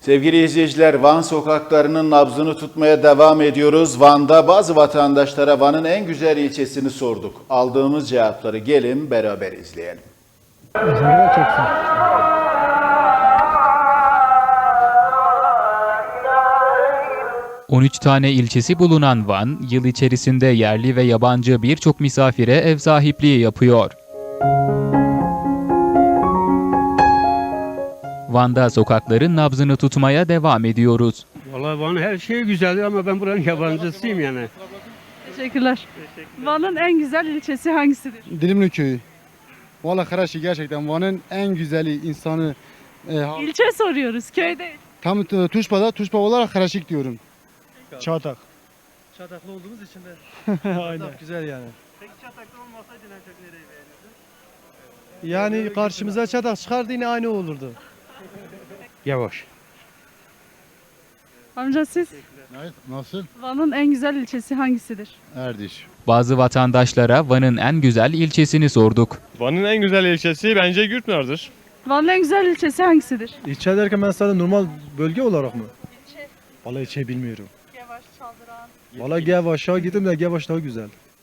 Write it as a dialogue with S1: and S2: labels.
S1: Sevgili izleyiciler, Van sokaklarının nabzını tutmaya devam ediyoruz. Van'da bazı vatandaşlara Van'ın en güzel ilçesini sorduk. Aldığımız cevapları gelin beraber izleyelim.
S2: 13 tane ilçesi bulunan Van, yıl içerisinde yerli ve yabancı birçok misafire ev sahipliği yapıyor. Van'da sokakların nabzını tutmaya devam ediyoruz.
S3: Vallahi Van her şey güzeldir ama ben buranın yabancısıyım yani.
S4: Teşekkürler. Van'ın en güzel ilçesi hangisidir?
S5: Dilimli köyü. Valla Karaşi gerçekten Van'ın en güzeli insanı.
S4: İlçe soruyoruz, köy değil.
S5: Tam Tuşpa olarak Karaşik diyorum. Çatak.
S6: Çataklı olduğumuz için de
S5: Aynen.
S6: güzel yani.
S3: Peki Çatak'ta olmasaydın en çok nereyi beğenirdin?
S6: Yani karşımıza çatak çıkardı yine aynı olurdu.
S3: Yavaş.
S4: Amca siz?
S7: Nasıl?
S4: Van'ın en güzel ilçesi hangisidir?
S7: Erdiş.
S2: Bazı vatandaşlara Van'ın en güzel ilçesini sorduk.
S8: Van'ın en güzel ilçesi bence Gürpınar'dır.
S4: Van'ın en güzel ilçesi hangisidir?
S6: İlçe derken ben sadece normal bölge olarak mı? İlçe. Vallahi ilçe bilmiyorum.
S4: Gevaş, Çaldıran.
S6: Vallahi Gevaş'a gittim de Gevaş daha güzel.